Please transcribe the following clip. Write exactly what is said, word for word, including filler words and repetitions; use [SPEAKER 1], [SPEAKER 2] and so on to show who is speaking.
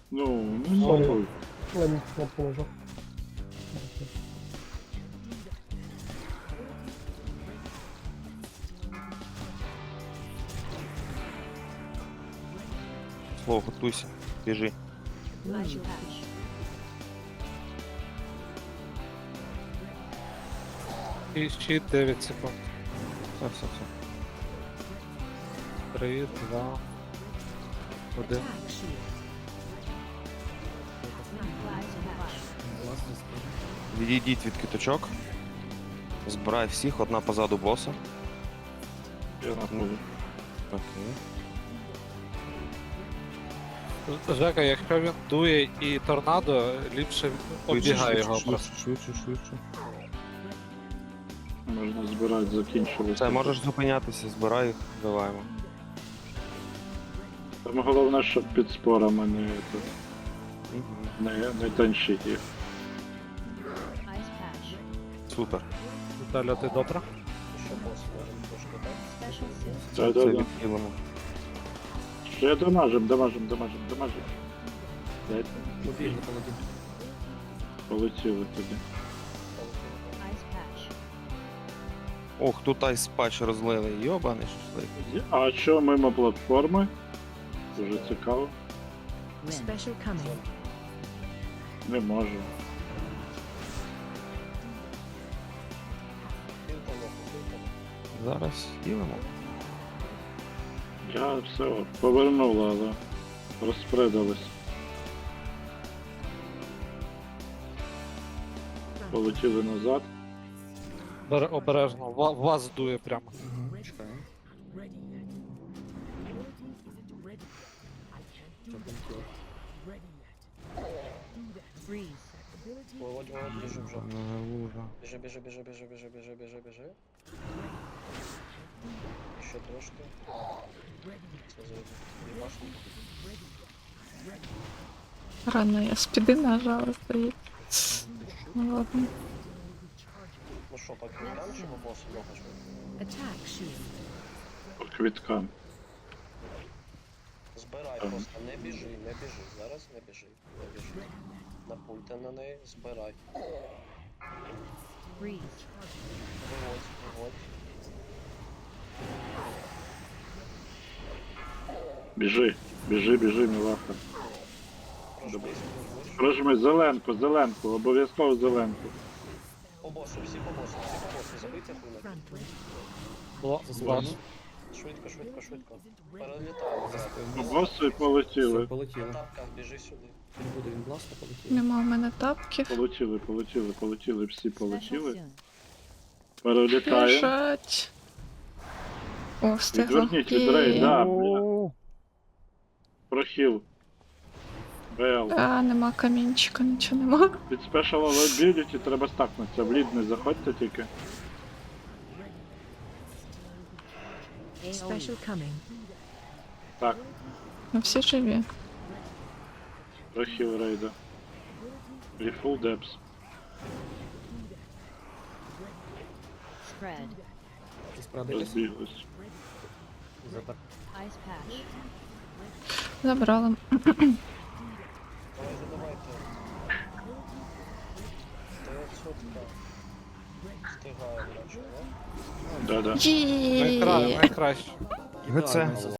[SPEAKER 1] Ну, ну,
[SPEAKER 2] Сорі.
[SPEAKER 1] нахуй.
[SPEAKER 2] Ладно, я положу.
[SPEAKER 3] Слово, готуйся, біжи.
[SPEAKER 4] Ice patch.
[SPEAKER 5] І ще дев'ять секунд.
[SPEAKER 3] Все, все, все.
[SPEAKER 5] Три, два, один.
[SPEAKER 4] Attack shield. Ice patch.
[SPEAKER 3] Відійдіть від киточок. Збирай всіх, одна позаду боса.
[SPEAKER 1] Я нахуй.
[SPEAKER 3] Окей.
[SPEAKER 5] Жека, якщо він дує і торнадо, ліпше оббігай його
[SPEAKER 3] швидше,
[SPEAKER 5] просто.
[SPEAKER 3] швидше, швидше.
[SPEAKER 1] Можна збирати, закінчувати.
[SPEAKER 3] Все, можеш зупинятися, збирай їх, даваємо.
[SPEAKER 1] Там головне, щоб під спорами не, це,
[SPEAKER 3] Мгм.
[SPEAKER 1] не, не танчить їх.
[SPEAKER 4] Ice patch.
[SPEAKER 3] Супер.
[SPEAKER 5] Віталя, ти добре?
[SPEAKER 4] Special suit.
[SPEAKER 1] Да,
[SPEAKER 3] Це
[SPEAKER 1] да, да.
[SPEAKER 3] відхилимо.
[SPEAKER 1] Ще дамажим, дамажим, дамажим, дамажим. Дайте. Полетіли тоді.
[SPEAKER 4] Ice patch.
[SPEAKER 3] Ох, тут айс патч розлили, йобаний шашлик.
[SPEAKER 1] А що мимо платформи? Дуже цікаво.
[SPEAKER 4] Special coming.
[SPEAKER 1] Не можу.
[SPEAKER 3] Зараз хілимо.
[SPEAKER 1] Я все, повернула, але розпредались. Полетіли назад.
[SPEAKER 5] Бере- Обережно, ва- вас дує прямо.
[SPEAKER 4] Freeze.
[SPEAKER 6] Володь, Володь, біжи вже.
[SPEAKER 3] Не лужа.
[SPEAKER 6] Біжи, біжи, біжи, біжи, біжи, біжи, біжи, біжи. Ще трошки. Це за дві башні.
[SPEAKER 7] Рано я спіди нажала, здається. Ну ладно.
[SPEAKER 6] Ну що, по квіткам чи по босу ногаш?
[SPEAKER 4] Attack shield.
[SPEAKER 1] По квіткам.
[SPEAKER 6] Збирай просто, не біжи, не біжи. Зараз не біжи, не біжи. Напульте на неї, збирай.
[SPEAKER 4] Freeze.
[SPEAKER 6] Виводь, виводь.
[SPEAKER 1] Біжи, біжи, біжи, мілаха.
[SPEAKER 6] Прожмись, прожмись.
[SPEAKER 1] Прожми зеленку, зеленку, обов'язково зеленку.
[SPEAKER 6] По босу, всі по босу, всі по босу. Забийте хуйню.
[SPEAKER 4] Frontward.
[SPEAKER 5] Бо- Вас.
[SPEAKER 6] Швидко, швидко, швидко. Перелітаємо.
[SPEAKER 1] По босу і полетіли.
[SPEAKER 6] На тапках біжи сюди.
[SPEAKER 7] Нема в мене тапків.
[SPEAKER 1] Полетіли, полетіли, полетіли, всі
[SPEAKER 4] Special
[SPEAKER 1] полетіли.
[SPEAKER 4] soon.
[SPEAKER 1] Перелітаємо.
[SPEAKER 7] Біжать. О, встигла.
[SPEAKER 1] Відверніть від
[SPEAKER 7] Є.
[SPEAKER 1] рей, да, бля. Прохіл. БЛ.
[SPEAKER 7] А, нема камінчика, нічого нема.
[SPEAKER 1] Під Special Ability треба стакнутися. В лід не заходьте тільки.
[SPEAKER 4] Special coming.
[SPEAKER 1] Так,
[SPEAKER 7] Ну всі живі.
[SPEAKER 1] прохіл рейда. Refull Depths.
[SPEAKER 4] Spread.
[SPEAKER 1] Розбіглись.
[SPEAKER 4] Ice patch.
[SPEAKER 7] Забрала.
[SPEAKER 6] Давайте, давайте. дев'ятсотка. Встигаємо, наче, да?
[SPEAKER 1] Да-да.
[SPEAKER 5] Найкра...
[SPEAKER 7] Є.
[SPEAKER 5] Найкраще.
[SPEAKER 3] ГЦ.